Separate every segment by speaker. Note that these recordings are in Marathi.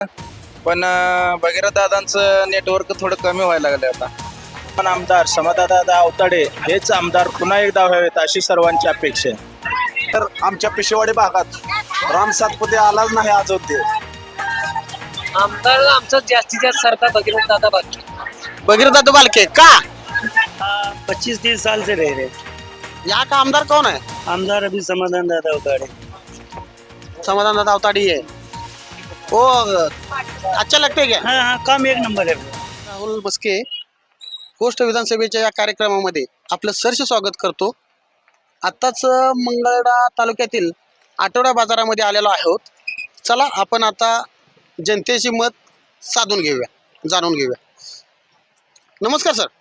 Speaker 1: पण भगीरथ दादांचं नेटवर्क थोडं कमी व्हायला लागलं आता.
Speaker 2: पण आमदार समाधानदादा अवताडे हेच आमदार पुन्हा एकदा व्हावेत अशी सर्वांची अपेक्षा आहे.
Speaker 3: तर आमच्या पिशेवाडी भागात राम सातपुते आलाच नाही अयोध्ये.
Speaker 4: आमदार आमचं जास्तीत जास्त सरकार भगीरथ दादा बाकी
Speaker 5: भगीरथ दादा बालके का
Speaker 2: 25-30 साल से रह रहे.
Speaker 5: यहाँ का आमदार कौन है?
Speaker 2: आमदार अभी समाधान दादा अवताडे.
Speaker 5: समाधान दादा अवताड़ी है वो अच्छा लगते क्या?
Speaker 2: हाँ हाँ, काम एक नंबर है.
Speaker 5: राहुल बस्के गोष्ट विधानसभेच्या या कार्यक्रमामध्ये आपलं सहर्ष स्वागत करतो. आत्ताच मंगळवेढा तालुक्यातील आठवडा बाजारामध्ये आलेलो आहोत. चला आपण आता जनतेची मत साधून घेऊया, जाणून घेऊया. नमस्कार सर,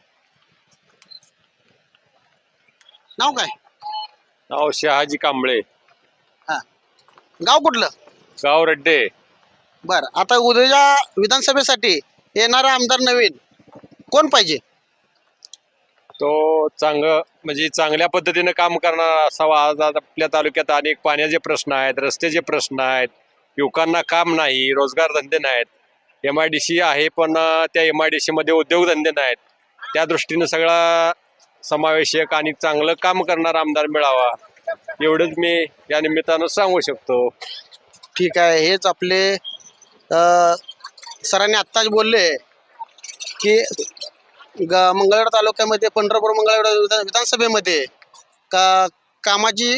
Speaker 5: नाव काय?
Speaker 6: नाव शहाजी कांबळे,
Speaker 5: हा, गाव कुठलं?
Speaker 6: गाव रड्डे.
Speaker 5: बर, आता उद्याच्या विधानसभेसाठी येणारा आमदार नवीन कोण पाहिजे?
Speaker 6: तो म्हणजे चांगल्या पद्धतीने काम करणारा असावा. आज आपल्या तालुक्यात अनेक पाण्याचे प्रश्न आहेत, रस्त्याचे प्रश्न आहेत, युवकांना काम नाही, रोजगार धंदे नाहीत. MIDC आहे पण त्या MIDC मध्ये उद्योगधंदे नाहीत. त्या दृष्टीनं सगळा समावेशक आणि चांगलं काम करणारा आमदार मिळावा एवढंच मी या निमित्तानं सांगू शकतो.
Speaker 5: ठीक आहे, हेच आपले सरांनी आत्ताच बोलले की मंगळवेढा तालुक्यामध्ये पंढरपूर मंगळवेढा विधानसभेमध्ये कामाची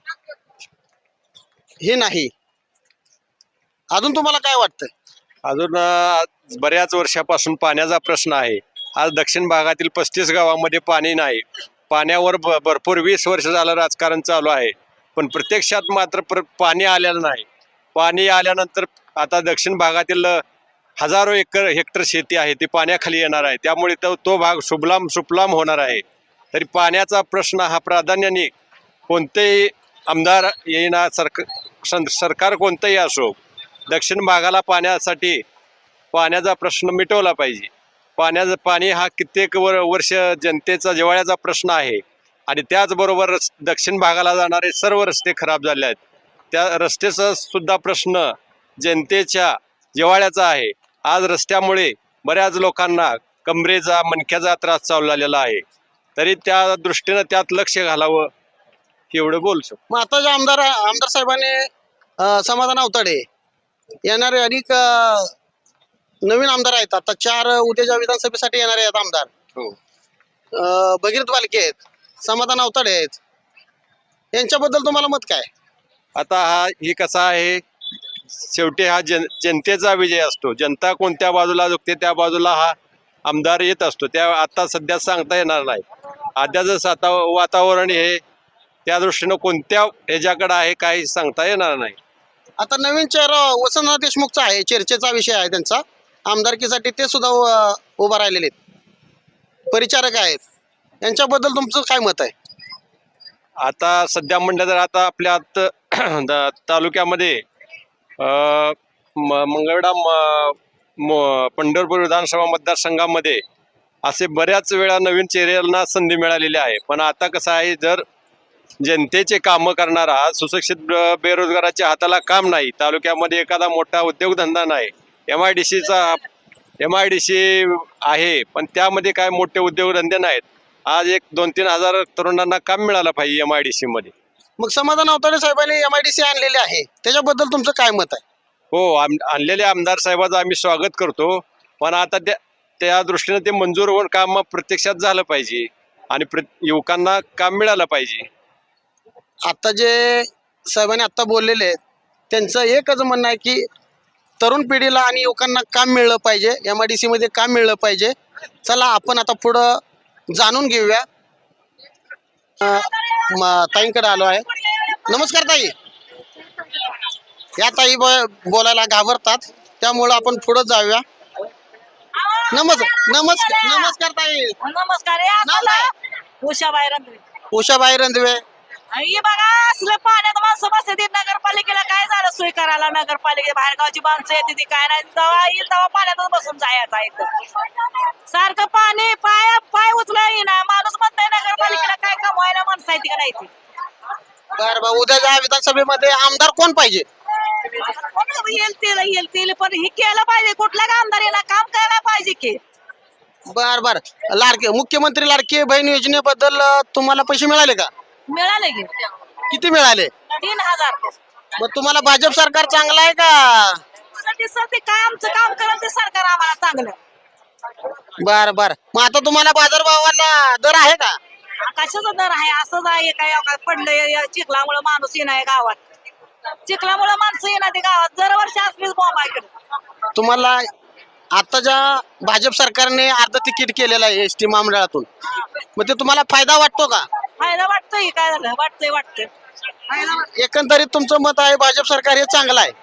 Speaker 5: हे नाही. अजून तुम्हाला काय वाटतं?
Speaker 6: अजून बऱ्याच वर्षापासून पाण्याचा प्रश्न आहे. आज दक्षिण भागातील 35 गावामध्ये पाणी नाही. पाण्यावर भरपूर 20 वर्ष झालं राजकारण चालू आहे, पण प्रत्यक्षात मात्र पाणी आलेलं नाही. पाणी आल्यानंतर आता दक्षिण भागातील हजारो हेक्टर शेती आहे ती पाण्याखाली येणार आहे. त्यामुळे तो भाग सुफलाम होणार आहे. तरी पाण्याचा प्रश्न हा प्राधान्याने कोणतेही आमदार येईना, सरकार कोणतंही असो, दक्षिण भागाला पाण्यासाठी पाण्याचा प्रश्न मिटवला पाहिजे. पाणी हा कित्येक वर्ष जनतेचा जिव्हाळ्याचा प्रश्न आहे. आणि त्याचबरोबर दक्षिण भागाला जाणारे सर्व रस्ते खराब झाले आहेत. त्या रस्त्याचा सुद्धा प्रश्न जनतेच्या जिव्हाळ्याचा आहे. आज रस्त्यामुळे बऱ्याच लोकांना कमरेचा, मणक्याचा त्रास चालू झालेला आहे. तरी त्या दृष्टीनं त्यात लक्ष घालावं एवढं बोलू शकतो.
Speaker 5: मग आता जे आमदार साहेबांनी समाधान अवताडे येणारे अनेक नवीन आमदार आहेत. आता 4 उद्याच्या विधानसभेसाठी येणारे आहेत आमदार. भगीरथ बालके आहेत, समाधान अवताडे आहेत. यांच्याबद्दल तुम्हाला मत काय?
Speaker 6: आता ही कसा आहे, शेवटी हा जनतेचा विजय असतो. जनता कोणत्या बाजूला झुकते त्या बाजूला हा आमदार येत असतो. त्या आता सध्या सांगता येणार नाही. आद्याचं वातावरण हे त्या दृष्टीनं कोणत्या ह्याच्याकडे आहे काही सांगता येणार नाही.
Speaker 5: आता नवीन चेहरा वसंतराव देशमुखचा आहे, चर्चेचा विषय आहे त्यांचा. आमदारकीसाठी ते सुद्धा उभा राहिलेले आहेत, परिचारक आहेत. यांच्याबद्दल तुमचं काय मत आहे?
Speaker 6: आता सध्या म्हणलं तर आता आपल्या तालुक्यामध्ये मंगळवेढा पंढरपूर विधानसभा मतदारसंघामध्ये असे बऱ्याच वेळा नवीन चेहऱ्यांना संधी मिळालेली आहे. पण आता कसं आहे, जर जनतेचे कामं करणारा सुशिक्षित बेरोजगाराच्या हाताला काम नाही, तालुक्यामध्ये एखादा मोठा उद्योगधंदा नाही, MIDC आहे पण त्यामध्ये काय मोठे उद्योगधंदे नाहीत. आज 1-2-3 हजार तरुणांना काम मिळालं पाहिजे MIDC मध्ये.
Speaker 5: मग समाधान अवताडे साहेबांनी MIDC आणलेले आहे, त्याच्याबद्दल तुमचं काय मत आहे?
Speaker 6: हो, आणलेल्या आमदार साहेबाचं आम्ही स्वागत करतो. पण आता त्या दृष्टीने ते मंजूर होऊन काम प्रत्यक्षात झालं पाहिजे आणि युवकांना काम मिळालं पाहिजे.
Speaker 5: आता जे साहेबांनी आत्ता बोललेले आहेत त्यांचं एकच म्हणणं आहे की तरुण पिढीला आणि युवकांना काम मिळलं पाहिजे, MIDC मध्ये काम मिळलं पाहिजे. चला आपण आता पुढं जाणून घेऊया. ताईंकडे आलो आहे. नमस्कार ताई. या ताई बोलायला घाबरतात, त्यामुळं आपण पुढं जाऊया. नमस्कार ताई.
Speaker 4: नमस्कार.
Speaker 5: उषाबाई रंधवे.
Speaker 4: हे बघा, असलं पाण्यात माणसं बसते. नगरपालिकेला काय झालं सोय करायला? नगरपालिकेच्या बाहेरगावची माणसं येते ती काय नाही, तेव्हा येईल तेव्हा पाण्यातच बसून जायचं आहे. सारखं पाणी पाय उचला ना, माणूस म्हणताय नगरपालिकेला काय कमवायला माणसं आहे ती का नाही ती.
Speaker 5: बरं, उद्याच्या विधानसभेमध्ये आमदार कोण पाहिजे?
Speaker 4: येईल तेल पण हे केलं पाहिजे. कुठल्या आमदारीला काम करायला पाहिजे की.
Speaker 5: बर बर. मुख्यमंत्री लाडकी बहीण योजनेबद्दल तुम्हाला पैसे मिळाले का?
Speaker 4: मिळाले की
Speaker 5: किती मिळाले?
Speaker 4: 3000.
Speaker 5: मग तुम्हाला भाजप सरकार चांगलं आहे का?
Speaker 4: ते काय आमचं काम करत ते सरकार आम्हाला चांगलं.
Speaker 5: बर बर. मग आता तुम्हाला बाजारभावाला दर आहे का?
Speaker 4: कशाचा दर आहे? असंच आहे काय पडलं चिखलामुळे माणूस येणार गावात. चिखलामुळे माणसं येणार ते गावात. दरवर्षी असलीच बॉम्ब आहे.
Speaker 5: तुम्हाला आताच्या भाजप सरकारने अर्ध तिकीट केलेलं आहे एसटी महामंडळातून, मग ते तुम्हाला फायदा वाटतो का?
Speaker 4: फायदा वाटतोय. काय झालं? वाटतंय.
Speaker 5: एकंदरीत तुमचं मत आहे भाजप सरकार हे चांगलं आहे.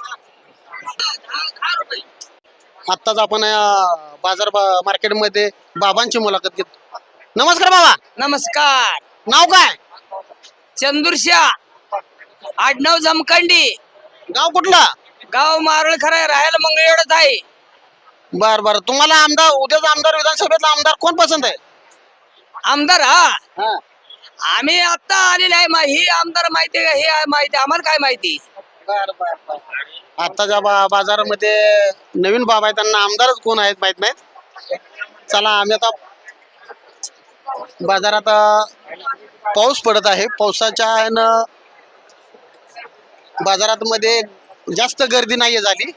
Speaker 5: आत्ताच आपण बाजार मार्केटमध्ये बाबांची मुलाखत घेतो. नमस्कार बाबा.
Speaker 7: नमस्कार.
Speaker 5: नाव काय?
Speaker 7: चंदुरशा, आडनाव जमखंडी,
Speaker 5: गाव कुठलं?
Speaker 7: गाव मारळ खरं, राहायला मंगळवेढ्यात आहे.
Speaker 5: बर बर. तुम्हाला आमदार उद्याचा आमदार विधानसभेतला आमदार कोण पसंत आहे?
Speaker 7: आमदार हा आम्ही आता आलेले आहे. ही आमदार माहिती का? हे माहिती आम्हाला काय माहिती.
Speaker 5: बर बर बर. आताच्या बाजारामध्ये नवीन बाबा आहेत, त्यांना आमदारच कोण आहेत माहित नाहीत. चला आम्ही आता बाजारात पाऊस पडत आहे. पावसाच्या ह्यानं बाजारात मध्ये जास्त गर्दी नाहीये झाली.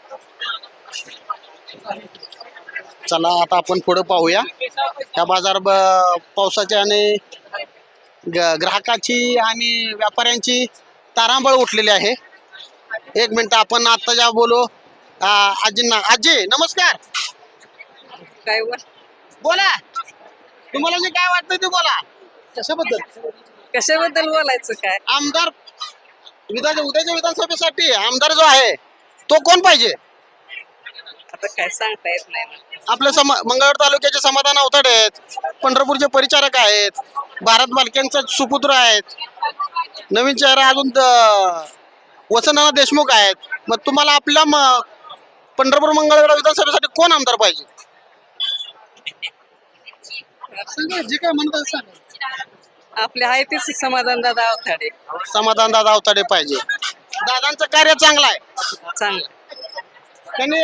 Speaker 5: चला आता आपण पुढे पाहूया. या बाजार पावसाच्या आणि ग्राहकाची आणि व्यापाऱ्यांची तारांबळ उठलेली आहे. एक मिनिट आपण आता ज्या बोलू आजींना. आजी नमस्कार.
Speaker 7: काय
Speaker 5: बोला, तुम्हाला जे काय वाटतं ते बोला.
Speaker 7: कशाबद्दल बोलायचं काय?
Speaker 5: आमदार उद्याच्या विधानसभेसाठी आमदार जो आहे तो कोण पाहिजे?
Speaker 7: आता काय सांगता येत नाही.
Speaker 5: आपल्या मंगळवेढा तालुक्याचे समाधान अवताडे आहेत, पंढरपूरचे परिचारक आहेत, भारत बालकेंचा सुपुत्र आहेत, नवीन चेहरा अजून वसंतनाना देशमुख आहेत. मग तुम्हाला आपल्या पंढरपूर मंगळवेढा विधानसभेसाठी कोण आमदार पाहिजे? जे काय म्हणतात
Speaker 7: आपले आहे ते समाधान दादा अवताडे.
Speaker 5: समाधान दादा अवताडे पाहिजे. दादांचं कार्य चांगलं आहे.
Speaker 7: चांगलं.
Speaker 5: त्यांनी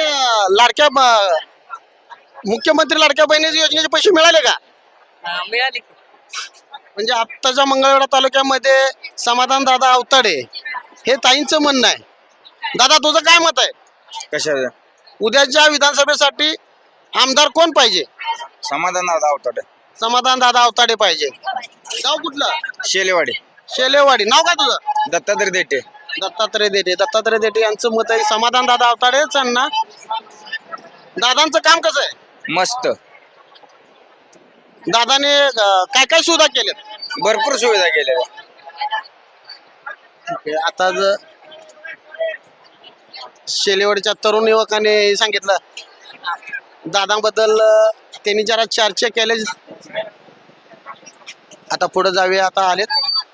Speaker 5: मुख्यमंत्री लाडक्या बहिणी योजनेचे पैसे मिळाले का?
Speaker 7: मिळाली.
Speaker 5: म्हणजे आत्ताच्या मंगळवेढा तालुक्यामध्ये समाधान दादा अवताडे हे ताईंचं म्हणणं आहे. दादा तुझं काय मत आहे?
Speaker 1: कशा?
Speaker 5: उद्याच्या विधानसभेसाठी आमदार कोण पाहिजे?
Speaker 1: समाधान अवताडे.
Speaker 5: समाधान दादा अवताडे पाहिजे. गाव कुठलं?
Speaker 1: शेलेवाडी.
Speaker 5: शेलेवाडी. नाव काय तुझं?
Speaker 1: दत्तात्रय देठे.
Speaker 5: दत्तात्रय देठे. दत्तात्रय देठे यांचं मत आहे समाधान दादा अवताडेच यांना. दादांचं काम कसं आहे?
Speaker 1: मस्त.
Speaker 5: दादाने काय काय सुविधा केल्यात?
Speaker 1: भरपूर सुविधा केल्या.
Speaker 5: आता शेलेवाडीच्या तरुण युवकाने सांगितलं दादांबद्दल त्यांनी जरा चर्चा केली. आता पुढे जाऊया. आता आलेत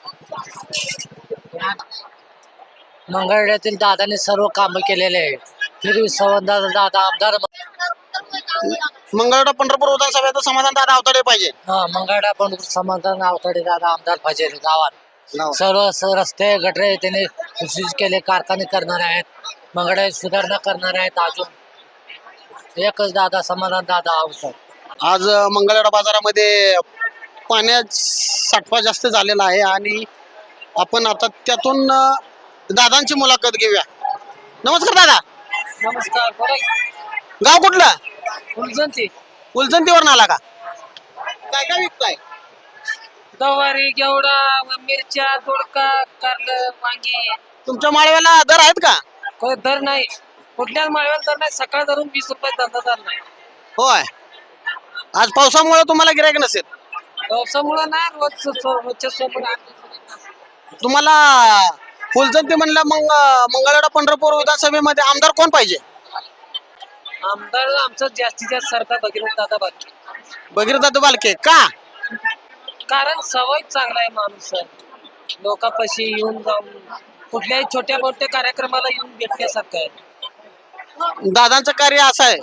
Speaker 8: मंगळवेढ्यातील दादाने सर्व कामं केलेले आहे. फिर संवाद दादा आमदार.
Speaker 5: मंगळवेढा पंढरपूर विधानसभेत समाधान दादा अवताडे पाहिजे.
Speaker 8: मंगळवेढा पण समाधान अवताडे दादा आमदार पाहिजे. गावात सर्व रस्ते गटरे त्यांनी सुशोषित केले. कारखाने करणार आहेत. मंगळवेढा सुधारणा करणार आहेत. अजून एकच दादा समाधान दादा अवताडे.
Speaker 5: आज मंगळवेढा बाजारामध्ये पाण्याचा साठवा जास्त झालेला आहे आणि आपण आता त्यातून दादांची मुलाखत घेऊया. नमस्कार दादा.
Speaker 7: नमस्कार.
Speaker 5: गाव कुठलं?
Speaker 7: फुलजंती.
Speaker 5: फुलजंतीवरून आला का? काय काय विकताय?
Speaker 7: गवारी, घेवडा, मिरच्या, दोडका, कारलं, वांगी.
Speaker 5: तुमच्या माळव्याला दर आहेत का?
Speaker 7: दर नाही. कुठल्याच माळव्याला दर नाही. सकाळ धरून 20 रुपये धंदा दर नाही.
Speaker 5: होय. आज पावसामुळे तुम्हाला गिरायक नसेल.
Speaker 7: पावसामुळं नाही. रोजच्या सोबत
Speaker 5: तुम्हाला फुलजंती म्हणलं मग मंगळवेढा पंढरपूर विधानसभेमध्ये आमदार कोण पाहिजे?
Speaker 7: आमदार आमचं जास्तीत जास्त सरकार भगीरथ दादा बालके.
Speaker 5: भगीरथ दादा बालके का?
Speaker 7: कारण सवय चांगला आहे. माणूस लोकांपाशी येऊन जाऊन कुठल्याही छोट्या मोठ्या कार्यक्रमाला येऊन भेटण्यासारखं आहे.
Speaker 5: दादांचं कार्य असं आहे.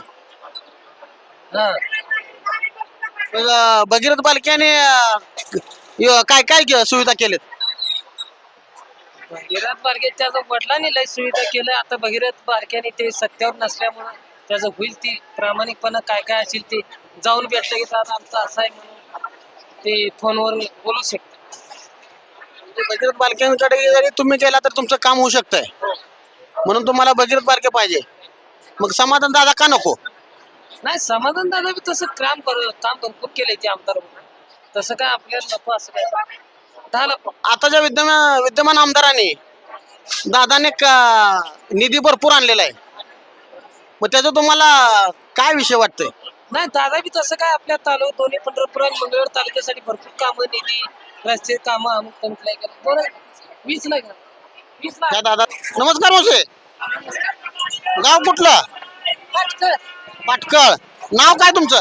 Speaker 5: भगीरथ बालकेने काय काय सुविधा केल्यात?
Speaker 7: भगीरथ बारके त्याचं वडिलांनी लय सुविधा केलं. आता भगीरथ बारक्याने ते सत्यावर नसल्यामुळं त्याचं होईल ती प्रामाणिकपणा काय काय असेल ते जाऊन भेटलं की दादा आमचं असं आहे म्हणून ते फोनवर बोलू शकतो.
Speaker 5: भगीरथ बालकेंकडे जरी तुम्ही गेला तर तुमचं काम होऊ शकतंय, म्हणून तुम्हाला भगीरथ बालके पाहिजे. मग समाधान दादा का नको?
Speaker 7: नाही समाधान दादा बी तसं काम भरपूर केलंय ते आमदार म्हणून. तसं काय आपल्याला नको असं काय झालं पण.
Speaker 5: आताच्या विद्यमान आमदारांनी दादाने निधी भरपूर आणलेला आहे, मग त्याचा तुम्हाला काय विषय वाटतंय?
Speaker 7: नाही दादा बी तसं काय आपल्या दोन्ही पंढरपूर आणि मंगळवेढ तालुक्यासाठी भरपूर कामं निधी रस्ते कामं अमुक तमुक नाही केलं. बरं 20 लाख 20 लाख.
Speaker 5: काय दादा नमस्कार मोसे. गाव कुठलं? पाटकळ. नाव काय तुमचं?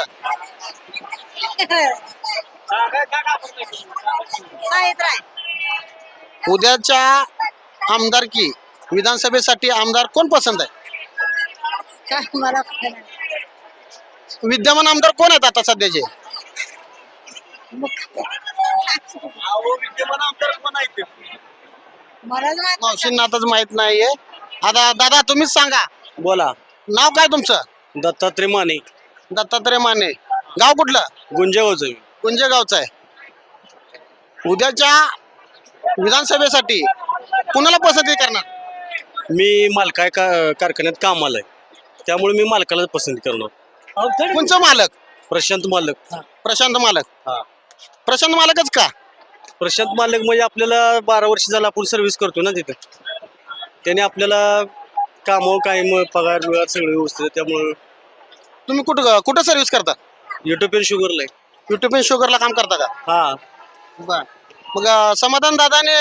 Speaker 5: उद्याच्या आमदारकी विधानसभेसाठी आमदार कोण पसंत आहे? विद्यमान आमदार कोण आहेत आता सध्याचे? मावशींना आताच माहित नाहीये. आता दादा तुम्हीच सांगा.
Speaker 2: बोला.
Speaker 5: नाव काय तुमचं?
Speaker 2: दत्तात्रय माने.
Speaker 5: दत्तात्रय माने. गाव कुठलं?
Speaker 2: गुंजेगावचं.
Speaker 5: कुंजेगावचं आहे. उद्याच्या विधानसभेसाठी कुणाला पसंती करणार?
Speaker 2: मी मालका कारखान्यात कामाला आहे, त्यामुळे मी मालकाला पसंत करणार.
Speaker 5: कोणचं मालक?
Speaker 2: प्रशांत मालक.
Speaker 5: प्रशांत मालक.
Speaker 2: हा.
Speaker 5: प्रशांत मालकच का?
Speaker 2: प्रशांत मालक म्हणजे आपल्याला 12 वर्ष झालं आपण सर्व्हिस करतो ना तिथं. त्याने आपल्याला कामं काय मग पगार बिगार सगळं व्यवस्थित आहे. त्यामुळं
Speaker 5: तुम्ही कुठं सर्व्हिस करता?
Speaker 2: युट्यूब शुगरला आहे.
Speaker 5: युट्यूब शुगरला काम करता का?
Speaker 2: हा.
Speaker 5: बर. मग समाधान दादाने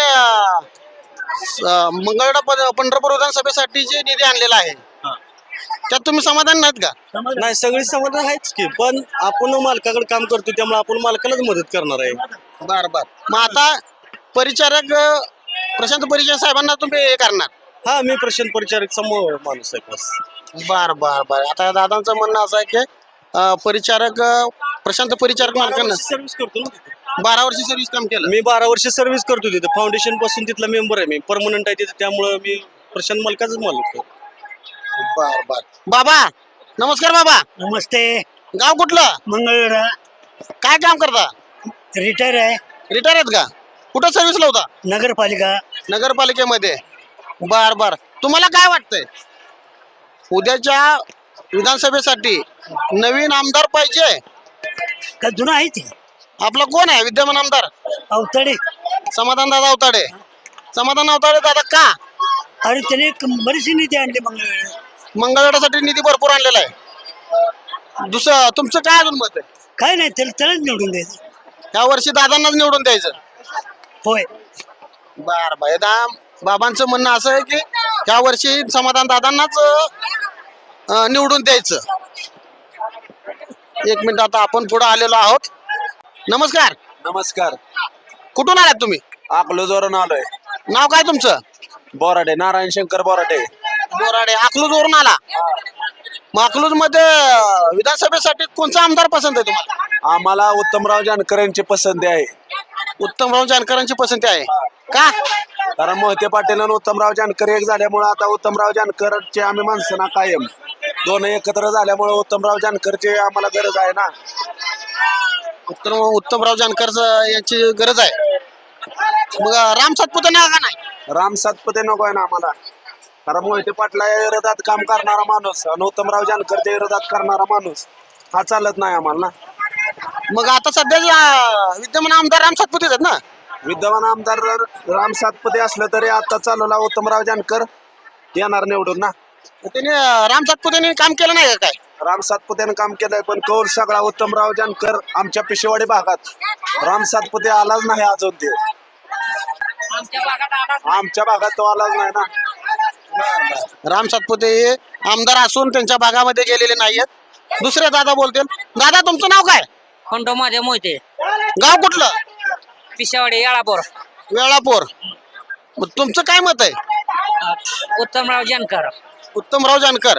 Speaker 5: मंगळवेढा पंढरपूर विधानसभेसाठी जे निधी आणलेला आहे त्यात तुम्ही समाधान नाहीत का?
Speaker 2: नाही सगळी समाधान आहेच की, पण आपण मालकाकडे काम करतो त्यामुळे आपण मालकालाच मदत करणार आहे.
Speaker 5: बर बर. मग आता परिचारक प्रशांत परिचारक साहेबांना तुम्ही हे करणार?
Speaker 2: हा मी प्रशांत परिचारक समोर माणूस आहे बस.
Speaker 5: बर बर बर. आता दादांचं म्हणणं असं आहे की परिचारक प्रशांत परिचारक मालकांना
Speaker 2: सर्व्हिस करतो ना तिथे.
Speaker 5: 12 वर्ष सर्व्हिस काम केलं.
Speaker 2: मी 12 वर्ष सर्व्हिस करतो तिथे. फाउंडेशन पासून तिथला मेंबर आहे मी. परमनंट आहे तिथे, त्यामुळे मी प्रशांत मालकाचाच मालक आहे.
Speaker 5: बर बर. बाबा नमस्कार. बाबा
Speaker 9: नमस्ते.
Speaker 5: गाव कुठलं?
Speaker 9: मंगळवेढा.
Speaker 5: काय काम करता?
Speaker 9: रिटायर आहे.
Speaker 5: रिटायर आहेत का? कुठं सर्व्हिसला होता?
Speaker 9: नगरपालिका.
Speaker 5: नगरपालिकेमध्ये. बर बर. तुम्हाला काय वाटतंय उद्याच्या विधानसभेसाठी नवीन आमदार पाहिजे
Speaker 9: का जुना आहे ते?
Speaker 5: आपला कोण आहे विद्यमान आमदार?
Speaker 9: अवतडे.
Speaker 5: समाधान दादा अवताडे. समाधान अवताडे दादा का?
Speaker 9: अरे त्याने बरीचशी निधी आणली मंगळवेढा.
Speaker 5: मंगळवेढ्यासाठी निधी भरपूर आणलेला आहे. दुसरं तुमचं काय अजून मत आहे?
Speaker 9: काय नाही, त्यालाच निवडून द्यायचं.
Speaker 5: या वर्षी दादांनाच निवडून द्यायचं?
Speaker 9: होय.
Speaker 5: बर बर. बाबांचं म्हणणं असं आहे की या वर्षी समाधान दादांनाच निवडून द्यायचं. एक मिनिट. आता आपण पुढे आलेलो आहोत. नमस्कार.
Speaker 3: नमस्कार.
Speaker 5: कुठून आलात तुम्ही?
Speaker 3: अकलूजवरून आलोय.
Speaker 5: नाव काय तुमचं?
Speaker 3: बोराडे. नारायण शंकर बोराडे.
Speaker 5: बोराडे. अकलूज वरून आला. मग अकलूज मध्ये विधानसभेसाठी कोणचा आमदार पसंत आहे तुम्हाला?
Speaker 3: आम्हाला उत्तमराव जानकर यांची पसंती आहे.
Speaker 5: उत्तमराव जानकरांची पसंती आहे का?
Speaker 3: कारण मोहिते पाटील आणि उत्तमराव जानकर एक झाल्यामुळे आता उत्तमराव जानकरचे आम्ही माणसं ना कायम दोन एकत्र झाल्यामुळे उत्तमराव जानकरची आम्हाला गरज आहे ना.
Speaker 5: उत्तमराव जानकर यांची गरज आहे. मग राम सातपुते नाही का? नाही
Speaker 3: राम सातपुते नको आहे ना आम्हाला. कारण मोहिते पाटला विरोधात काम करणारा माणूस आणि उत्तमराव जानकरच्या विरोधात करणारा माणूस हा चालत नाही आम्हाला ना.
Speaker 5: मग आता सध्या विद्यमान आमदार राम सातपुते आहेत ना?
Speaker 3: विद्यमान आमदार राम सातपुते असलं तरी आता चालवला उत्तमराव जानकर येणार निवडून ना.
Speaker 5: त्याने राम सातपुतेने काम केलं नाही का काय?
Speaker 3: राम सातपुतेनं काम केलंय पण कौल सगळा उत्तमराव जानकर आमच्या पिशेवाडी भागात. राम सातपुते आलाच नाही अजून. ते आमच्या भागात तो आलाच नाही ना.
Speaker 5: राम सातपुते हे आमदार असून त्यांच्या भागामध्ये गेलेले नाहीयेत. दुसरे दादा बोलतील. दादा तुमचं नाव काय?
Speaker 8: खंडो माझ्या मोहिते.
Speaker 5: गाव कुठलं?
Speaker 8: पिशावाडी येळापूर.
Speaker 5: वेळापूर. मग तुमचं काय मत आहे?
Speaker 8: उत्तमराव जानकर.
Speaker 5: उत्तमराव जानकर.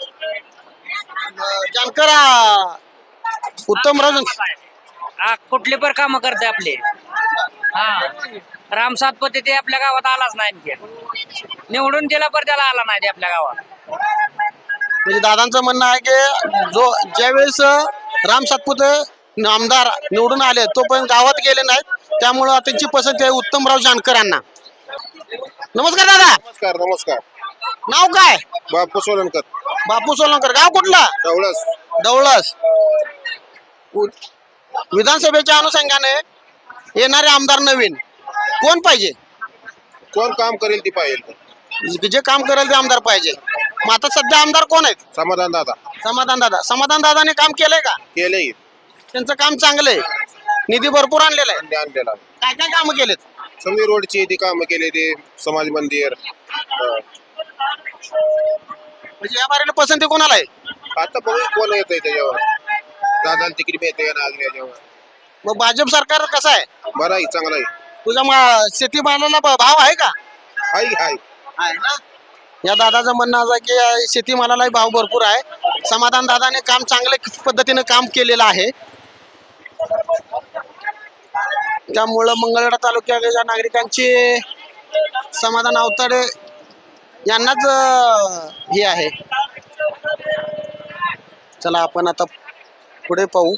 Speaker 5: जानकर उत्तमराव जानकर
Speaker 8: कुठले पण काम करते आपले. हा
Speaker 7: राम सातपुते ते आपल्या गावात आलाच नाही आणखी. निवडून दिला पर त्याला आला नाही ते आपल्या गावात.
Speaker 5: म्हणजे दादांचं म्हणणं आहे की ज्यावेळेस राम सातपुते आमदार निवडून आले तोपर्यंत गावात गेले नाहीत, त्यामुळं त्यांची पसंती आहे उत्तमराव जानकरांना. नमस्कार दादा.
Speaker 3: नमस्कार नमस्कार.
Speaker 5: नाव काय?
Speaker 3: बापू सोलनकर.
Speaker 5: बापू सोलंकर. गाव कुठला?
Speaker 3: डवळस.
Speaker 5: डवळस. विधानसभेच्या अनुषंगाने येणारे आमदार नवीन कोण पाहिजे?
Speaker 3: कोण काम करेल ती पाहिजे.
Speaker 5: जे काम करेल ते आमदार पाहिजे. मग आता सध्या आमदार कोण आहेत?
Speaker 3: समाधान दादा.
Speaker 5: समाधान दादाने काम केलंय का?
Speaker 3: केले
Speaker 5: त्यांचं काम चांगलं आहे, निधी भरपूर आणलेला आहे.
Speaker 3: आणलेला.
Speaker 5: काय काय कामं केलेत?
Speaker 3: समजी रोडची ती कामं केली, ते समाज मंदिर.
Speaker 5: म्हणजे या बारीला पसंती कोणाला आहे?
Speaker 3: आता बघू कोण येत त्याच्यावर. दादा तिकीट मिळते का ना याच्यावर.
Speaker 5: मग भाजप सरकार कसं आहे?
Speaker 3: बरं आहे, चांगला आहे.
Speaker 5: तुझ्या शेतीमालाला भाव आहे का?
Speaker 3: हाय हाय.
Speaker 5: आहे ना. या दादाचं म्हणणं असं आहे की शेतीमालालाही भाव भरपूर आहे. समाधान दादाने काम चांगल्या पद्धतीने काम केलेलं आहे, त्यामुळं मंगळवेढा तालुक्याच्या नागरिकांची समाधान अवताडे यांनाच हे आहे. चला आपण आता पुढे पाहू.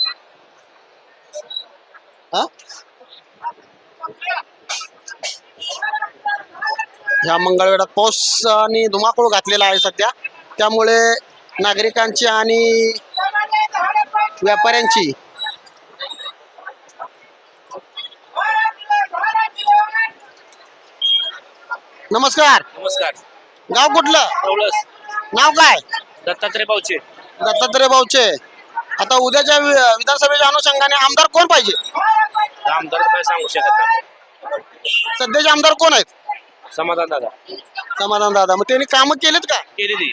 Speaker 5: ह्या मंगळवेढ्यात पाऊस आणि धुमाकूळ घातलेला आहे सध्या, त्यामुळे नागरिकांची आणि व्यापाऱ्यांची नमस्कार.
Speaker 1: नमस्कार.
Speaker 5: गाव कुठलं?
Speaker 1: डवळस.
Speaker 5: नाव काय?
Speaker 1: दत्तात्रय बावचे.
Speaker 5: दत्तात्रय बावचे. आता उद्याच्या विधानसभेच्या अनुषंगाने आमदार कोण पाहिजे?
Speaker 1: आमदार काय सांगू शकत नाही.
Speaker 5: सध्याचे आमदार कोण आहेत?
Speaker 1: समाधान दादा.
Speaker 5: समाधान दादा. मग त्यांनी कामं केलेत का?
Speaker 1: केली ती.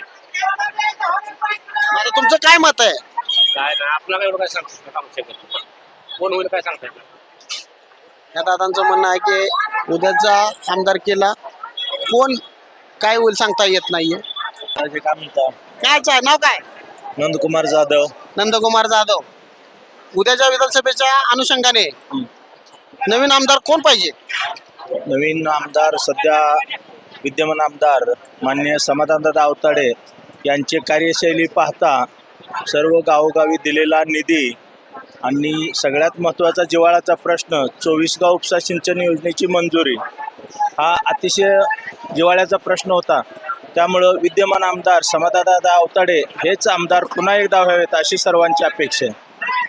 Speaker 5: आता तुमचं काय मत आहे?
Speaker 1: काय नाही आपल्याला एवढं काय सांगू शकत. कोण होईल काय सांगता येत.
Speaker 5: या दादांचं म्हणणं आहे की उद्याचा आमदारकीला कोण काय होईल सांगता येत नाहीये. काय नाव काय?
Speaker 1: नंदकुमार जाधव.
Speaker 5: नंदकुमार जाधव. उद्याच्या विधानसभेच्या अनुषंगाने नवीन आमदार कोण पाहिजे?
Speaker 1: नवीन आमदार सध्या विद्यमान आमदार माननीय समाधानदादा अवताडे यांची कार्यशैली पाहता सर्व गावोगावी दिलेला निधी आणि सगळ्यात महत्त्वाचा जिव्हाळ्याचा प्रश्न 24 गाव उपसा सिंचन योजनेची मंजुरी हा अतिशय जिव्हाळ्याचा प्रश्न होता. त्यामुळं विद्यमान आमदार समाधानदादा अवताडे हेच आमदार पुन्हा एकदा व्हावेत अशी सर्वांची अपेक्षा आहे.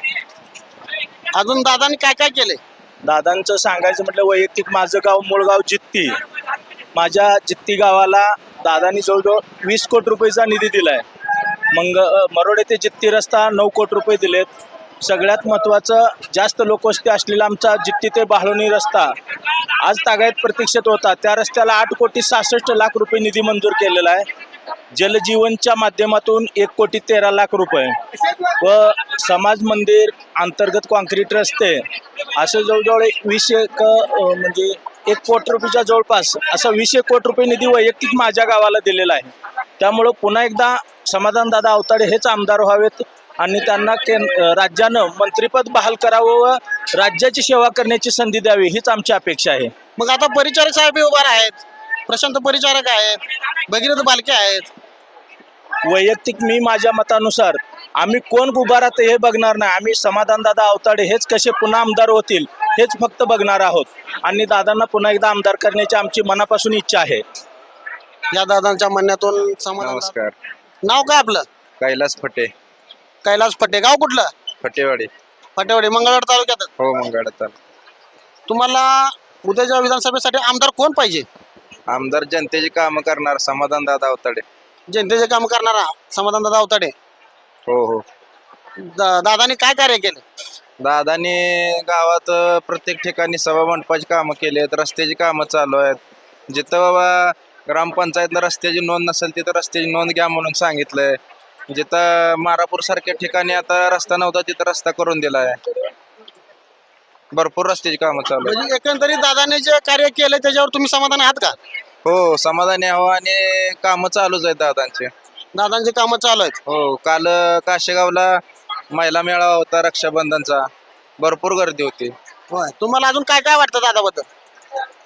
Speaker 5: अजून दादांनी काय काय केले?
Speaker 1: दादांचं सांगायचं म्हटलं वैयक्तिक माझं गाव मूळगाव जित्ती. माझ्या जित्ती गावाला दादांनी जवळजवळ 20 कोटी रुपयेचा निधी दिलाय. मरोडे ते जित्ती रस्ता 9 कोटी रुपये दिलेत. सगळ्यात महत्त्वाचं जास्त लोकवस्ती असलेला आमचा जित्ती ते बाहलोनी रस्ता आज तागायत प्रतीक्षेत होता. त्या रस्त्याला 8,66,00,000 रुपये निधी मंजूर केलेला आहे. जलजीवनच्या माध्यमातून 1,13,00,000 रुपये व समाज मंदिर अंतर्गत कॉन्क्रीट रस्ते असं जवळजवळ 20 म्हणजे 1 कोटी रुपयाच्या जवळपास असा 20 कोटी रुपये निधी वैयक्तिक माझ्या गावाला दिलेला आहे. त्यामुळं पुन्हा एकदा समाधानदादा अवताडे हेच आमदार व्हावेत आणि त्यांना राज्यानं मंत्रिपद बहाल करावं व राज्याची सेवा करण्याची संधी द्यावी हीच आमची अपेक्षा आहे.
Speaker 5: मग आता परिचारक साहेब उभा आहेत, प्रशांत परिचारक आहेत, भगीरथ बालके आहेत.
Speaker 1: वैयक्तिक मी माझ्या मतानुसार आम्ही कोण उभा राहते हे बघणार नाही. आम्ही समाधानदादा अवताडे हेच कसे पुन्हा आमदार होतील हेच फक्त बघणार आहोत आणि दादांना पुन्हा एकदा आमदार करण्याची आमची मनापासून इच्छा आहे.
Speaker 5: या दादांच्या म्हणण्यातून समाधान.
Speaker 3: नमस्कार.
Speaker 5: नाव काय आपलं?
Speaker 3: कैलास फटे.
Speaker 5: कैलास फटे. गाव कुठलं?
Speaker 3: फटेवाडी.
Speaker 5: फटेवाडी मंगळवेढा तालुक्यात.
Speaker 3: हो मंगळवेढा.
Speaker 5: तुम्हाला उद्याच्या विधानसभेसाठी आमदार कोण पाहिजे?
Speaker 3: आमदार जनतेची कामं करणार समाधानदादा अवताडे.
Speaker 5: जनतेचे काम करणारा समाधान दादा अवताडे.
Speaker 3: हो हो.
Speaker 5: दादाने काय कार्य केले?
Speaker 1: दादानी गावात प्रत्येक ठिकाणी सभा मंडपाची कामं केली आहेत. रस्त्याची कामं चालू आहेत. जिथं बाबा ग्रामपंचायतनं रस्त्याची नोंद नसेल तिथं रस्त्याची नोंद घ्या म्हणून सांगितलंय. जिथं मारापूर सारख्या ठिकाणी आता रस्ता नव्हता तिथं रस्ता करून दिला आहे. भरपूर रस्त्याची कामं चालू आहेत.
Speaker 5: म्हणजे एकंदरीत दादाने जे कार्य केले त्याच्यावर तुम्ही समाधान आहात का?
Speaker 1: हो समाधानी आहो आणि कामं चालूच आहेत दादांचे.
Speaker 5: दादांची कामं चालू आहेत.
Speaker 1: हो काल काशेगावला महिला मेळावा होता रक्षाबंधनचा. भरपूर गर्दी होती.
Speaker 5: होय. तुम्हाला अजून काय काय वाटतं दादाबद्दल?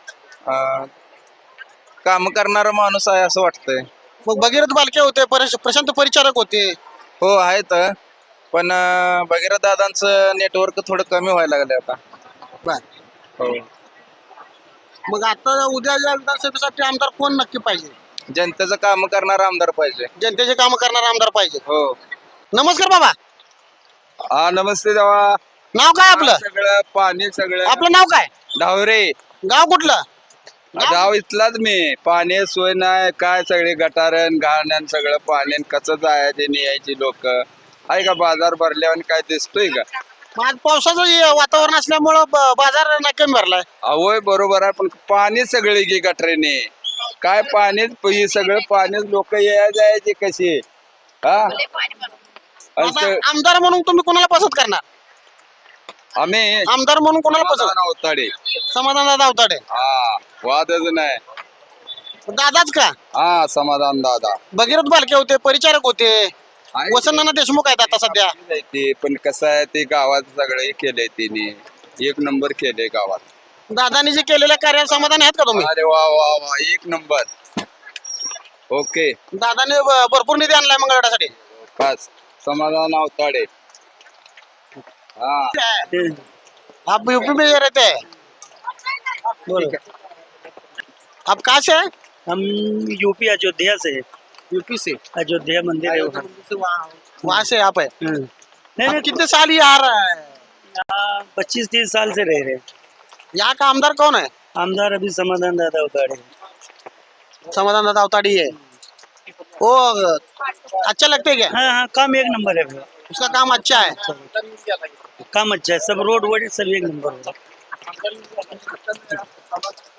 Speaker 1: काम करणारा माणूस आहे असं वाटतंय.
Speaker 5: मग भगीरथ बालके होते, प्रशांत परिचारक होते.
Speaker 1: हो आहेत, पण भगीरथ दादांचं नेटवर्क थोडं कमी व्हायला लागलं आता.
Speaker 5: बर.
Speaker 1: हो.
Speaker 5: मग आता उद्या या विधानसभेसाठी आमदार कोण नक्की पाहिजे?
Speaker 1: जनतेचं काम करणारा आमदार पाहिजे.
Speaker 5: जनतेचे काम करणारा आमदार पाहिजे.
Speaker 1: हो.
Speaker 5: नमस्कार बाबा,
Speaker 1: हा नमस्ते देवा.
Speaker 5: नाव काय आपलं?
Speaker 1: सगळं पाणी सगळं
Speaker 5: आपलं नाव काय?
Speaker 1: डावरे
Speaker 5: गाव कुठलं?
Speaker 1: गाव इथलाच मी. पाणी सोय नाही काय, सगळे गटारण घाण सगळं पाणी कसं जायचे न्यायची लोक आहे का? बाजार भरल्यावर काय दिसतोय का?
Speaker 5: मग आज पावसाचं वातावरण असल्यामुळं बाजार नाही कमी भरलाय.
Speaker 1: होय बरोबर आहे, पण पाणी सगळे गे गटरेने काय पाणीच सगळं पाणीच लोक या जायचे कसे हा.
Speaker 5: आता आमदार म्हणून तुम्ही कोणाला पसंत करणार?
Speaker 1: आम्ही
Speaker 5: आमदार म्हणून कोणाला पसंत?
Speaker 1: अवताडे.
Speaker 5: समाधान दादा अवताडे.
Speaker 1: हा वादच नाही.
Speaker 5: दादाच का?
Speaker 1: हा समाधान दादा.
Speaker 5: भगीरथ बालके होते, परिचारक होते. वसंतनाना देशमुख आहेत आता सध्या.
Speaker 1: ते पण कसं आहे, ते गावात सगळे केले तिने एक नंबर केले गावात.
Speaker 5: दादानी जे केलेल्या कार्याला समाधान आहेत का तुम्ही?
Speaker 1: अरे वा वा वा एक नंबर. ओके.
Speaker 5: दादाने भरपूर निधी आणलाय मंगळवारसाठी.
Speaker 1: बस समाधान अवताडे. हाँ
Speaker 5: आप यूपी में रहते हैं? ठीक है। आप कहाँ से हैं?
Speaker 9: हम यूपी अयोध्या से,
Speaker 5: यूपी से।
Speaker 9: अयोध्या मंदिर है वहाँ।
Speaker 5: वहाँ से आप है?
Speaker 9: नहीं
Speaker 5: आप कितने साल ये आ रहा है?
Speaker 9: 25-30 साल से रह रहे हैं।
Speaker 5: यहाँ का आमदार कौन है?
Speaker 9: आमदार अभी समाधान दादा उतारे।
Speaker 5: समाधान दादा अवताड़ी है। वो अच्छा लगता है क्या?
Speaker 9: हाँ, काम एक नंबर है भैया।
Speaker 5: उसका काम अच्छा है।
Speaker 9: काम अच्छा है, सब रोड वोड सब एक नंबर है।